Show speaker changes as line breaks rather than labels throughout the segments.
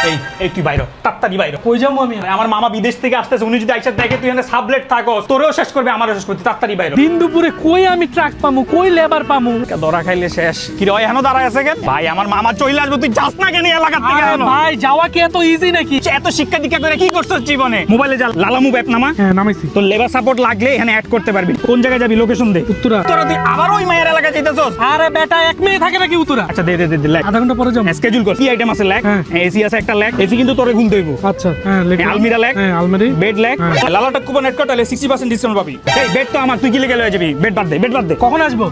এই এই তুই বাইরে তাড়াতাড়ি বাইরে। কই যাবো আমি? আমার মামা বিদেশ থেকে আসতেছে, উনি যদি আইসা দেখে তুই এখানে সাবলেট থাকো, তোরেও শেষ করবে, আমারও শেষ করতে। তাড়াতাড়ি বাইরে।
দিন দুপুরে কই আমি ট্রাক পামু, কই লেবার পামু?
ধরা খাইলে শেষ। কি রে এখনো দাঁড়ায় আছে কেন? ভাই আমার মামা চলে আসবে, তুই যাস না কেন এলাকার থেকে?
আরে ভাই যাওয়া কি এত ইজি নাকি?
এত শিক্ষা দীক্ষা করে কি করছিস জীবনে? মোবাইলে যা লালামু অ্যাপ নামা।
হ্যাঁ নামাইছি।
তোর লেবার সাপোর্ট লাগলে এখানে অ্যাড করতে পারবি। কোন জায়গায় যাবি লোকেশন দে।
উত্তরা।
তোরা তুই আবার ওই মায়ের এলাকায় যাইতেছস?
আরে বেটা এক মেয়ে থাকে নাকি উত্তরা?
আচ্ছা দে দে দে লেখ।
আধা ঘন্টা পরে যাবো।
স্কেডিউল কর। কি আইটেম আছে লেখ।
হ্যাঁ।
এসি আছে একটা লেখ। এসি কিন্তু তোরে ঘুম দেইবো।
আচ্ছা হ্যাঁ লিখলাম।
আলমিরা লেখ।
হ্যাঁ আলমারি।
বেড লেখ।
হ্যাঁ।
লালাটা কুপন অ্যাড করতে হলে 60% ডিসকাউন্ট পাবি। এই বেড তো আমার, তুই কি লিখে লয়ে যাবি? বেড বাদ দে, বেড বাদ দে।
কখন আসবো?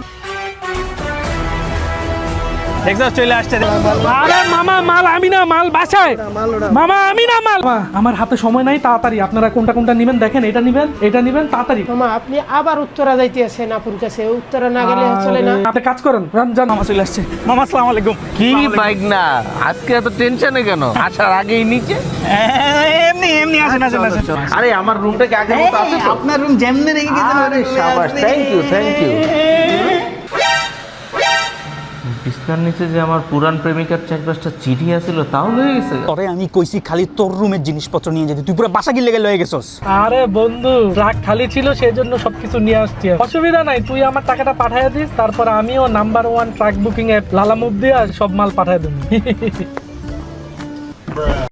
দেখছস চলে আসছে।
আরে মামা মাল আমি না, মাল বাসায়। মামা আমি না মাল। মামা, আমার হাতে সময় নাই, তাড়াতাড়ি আপনারা কোনটা কোনটা নেবেন দেখেন। এটা নেবেন, এটা নেবেন, তাড়াতাড়ি।
মামা আপনি আবার উত্তরা যাইতে আছেন আপুর কাছে, উত্তরা না গেলে চলে না।
আপনি কাজ করেন, যান।
মামা চলে আসছে। মামা আসসালামু আলাইকুম।
কি বাইক না আজকে এত টেনশনে কেন? আসার আগেই নিচে।
এমনি এমনি আসেন আসেন আসেন।
আরে আমার রুমটা কি আগের মতো আছে তো?
আপনার রুম যেমনে রেখে গেছেন।
আরে শাবাশ, থ্যাংক ইউ থ্যাংক ইউ। বিছনার নিচে যে আমার পুরান প্রেমিকার 4-5টা চিঠি আছিল তাও হয়ে গেছে।
তরে আমি কইছি খালি তোর রুমের জিনিসপত্র নিয়ে যেতে, তুই পুরো বাসা গিলে লয়ে গেছস।
আরে বন্ধু ট্রাক খালি ছিল, সেই জন্য সবকিছু নিয়ে আসছি। অসুবিধা নাই, তুই আমার টাকাটা পাঠায় দিস, তারপর আমিও number 1 truck booking app Lalamove দিয়ে সব মাল পাঠায় দেবো।